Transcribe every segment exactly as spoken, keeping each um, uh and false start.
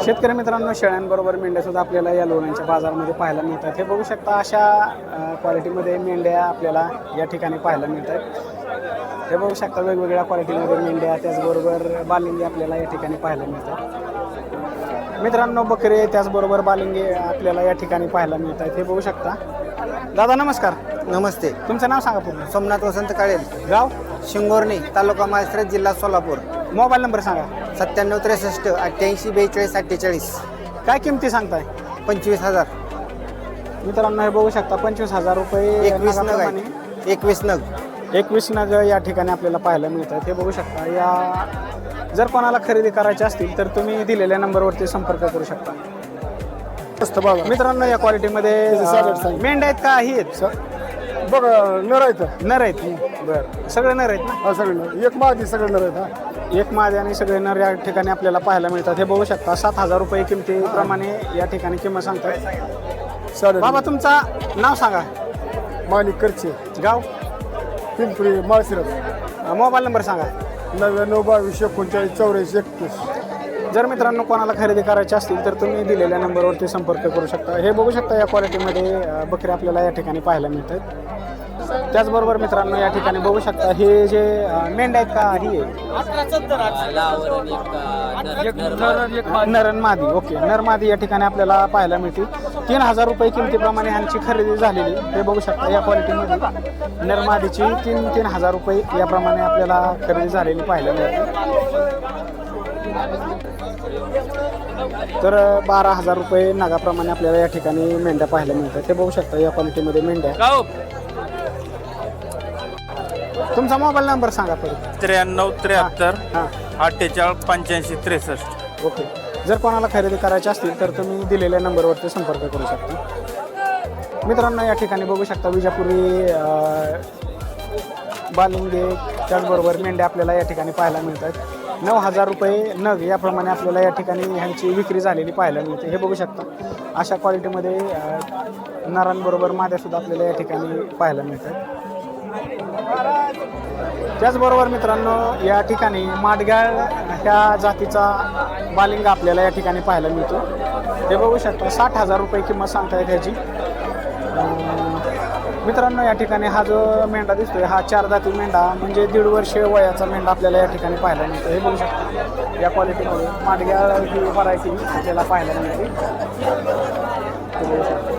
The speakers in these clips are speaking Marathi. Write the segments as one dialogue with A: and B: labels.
A: शेतकरी मित्रांनो, शेळ्यांबरोबर मेंढ्या सुद्धा आपल्याला या लोणंदच्या बाजारामध्ये पाहायला मिळतात। हे बघू शकता, अशा क्वालिटीमध्ये मेंढ्या आपल्याला या ठिकाणी पाहायला मिळतात। हे बघू शकता, वेगवेगळ्या क्वालिटीमध्ये मेंढ्या, त्याचबरोबर बालिंगे आपल्याला या ठिकाणी पाहायला मिळतात। मित्रांनो, बकरे त्याचबरोबर बालिंगे आपल्याला या ठिकाणी पाहायला मिळतात। हे बघू शकता। दादा नमस्कार।
B: नमस्ते।
A: तुमचं नाव सांगा पूर्ण।
B: सोमनाथ वसंत काळेल,
A: गाव
B: शिंगोर्णी, तालुका माळशिरस, जिल्हा सोलापूर।
A: मोबाईल नंबर सांगा।
B: सत्त्याण्णव त्रेसष्ट अठ्ठ्याऐंशी बेचाळीस अठ्ठेचाळीस।
A: काय किमती सांगताय?
B: पंचवीस हजार।
A: मित्रांनो, हे बघू शकता, पंचवीस हजार रुपये
B: एकवीस नग
A: नागाप्रमाणे
B: आहे। एकवीस नग
A: एकवीस नग या ठिकाणी आपल्याला पाहायला मिळतात। हे बघू शकता। या जर कोणाला खरेदी करायची असतील तर तुम्ही दिलेल्या नंबरवरती संपर्क करू शकता। मित्रांनो, या क्वालिटीमध्ये मेंढ्या आहेत का ही आहेत?
C: बघ नर आहेत।
A: नर आहेत। बरं, सगळे नर आहेत ना?
C: हा सगळे नर, एक माझी सगळे नर आहेत। हा
A: एक मादी आणि सगळे नर या ठिकाणी आपल्याला पाहायला मिळतात। हे बघू शकता, सात हजार रुपये किमतीप्रमाणे या ठिकाणी किंमत सांगतात।
C: साडे
A: बाबा, तुमचा नाव सांगा।
C: माणिक करचे,
A: गाव
C: पिंपरी, माळशिरस।
A: मोबाईल नंबर सांगा।
C: नव्याण्णव बावीस एकोणचाळीस चौऱ्याऐंशी एकतीस।
A: जर मित्रांनो कोणाला खरेदी करायची असतील तर तुम्ही दिलेल्या नंबरवरती संपर्क करू शकता। हे बघू शकता, या क्वालिटीमध्ये अ, बकरी आपल्याला या ठिकाणी पाहायला मिळतात। त्याचबरोबर मित्रांनो, या ठिकाणी बघू शकता, हे जे अ, मेंढ्या आहेत का ही आहे? नरन मादी। ओके, नरमादी या ठिकाणी आपल्याला पाहायला मिळते। तीन हजार रुपये किमतीप्रमाणे यांची खरेदी झालेली। हे बघू शकता, या क्वालिटीमध्ये नरमादीची तीन तीन हजार रुपये याप्रमाणे आपल्याला खरेदी झालेली पाहायला मिळते। तर बारा हजार रुपये नागाप्रमाणे आपल्याला या ठिकाणी मेंढ्या पाहायला मिळतात। हे बघू शकता, या क्वालिटीमध्ये मेंढ्या। तुमचा मोबाईल नंबर सांगा परत।
D: त्र्याण्णव त्र्याहत्तर
A: हां,
D: अठ्ठेचाळीस पंच्याऐंशी त्रेसष्ट।
A: ओके। जर कोणाला खरेदी करायची असतील तर तुम्ही दिलेल्या नंबरवरती संपर्क करू शकता। मित्रांनो, या ठिकाणी बघू शकता, विजापुरी अ, बालिंगे त्याचबरोबर मेंढ्या आपल्याला या ठिकाणी पाहायला मिळतात। नऊ हजार रुपये नग याप्रमाणे आपल्याला या ठिकाणी ह्यांची विक्री झालेली पाहायला मिळते। हे बघू शकता, अशा क्वालिटीमध्ये अ, नरांबरोबर माद्यासुद्धा आपल्याला या ठिकाणी पाहायला मिळतात। त्याचबरोबर मित्रांनो, या ठिकाणी माडगाळ ह्या जातीचा बालिंग आपल्याला या ठिकाणी पाहायला मिळतो। हे बघू शकता, साठ हजार रुपये किंमत सांगतायत ह्याची। मित्रांनो, या ठिकाणी हा जो मेंढा दिसतोय हा चार दाती मेंढा म्हणजे दीड वर्ष वयाचा मेंढा आपल्याला या ठिकाणी पाहायला मिळतो। हे बघू शकता, या क्वालिटीमध्ये माडगाळ ही व्हरायटी आपल्याला पाहायला मिळते। हे बघू शकता।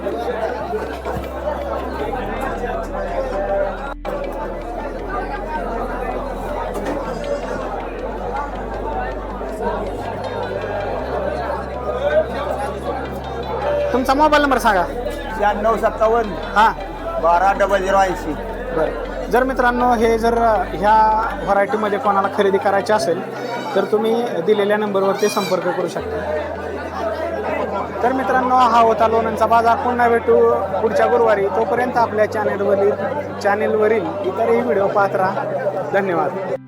A: तुमचा मोबाईल नंबर सांगा।
B: शहाण्णव सत्तावन्न
A: हां,
B: बारा डबल झिरो ऐंशी।
A: बरं। जर मित्रांनो हे जर ह्या व्हरायटीमध्ये कोणाला खरेदी करायची असेल तर तुम्ही दिलेल्या नंबरवरती संपर्क करू शकता। तर मित्रांनो, हा होता लोणंदचा बाजार। पुन्हा भेटू पुढच्या गुरुवारी। तोपर्यंत आपल्या चॅनेलवरील चॅनेलवरील इतरही व्हिडिओ पाहत राहा। धन्यवाद।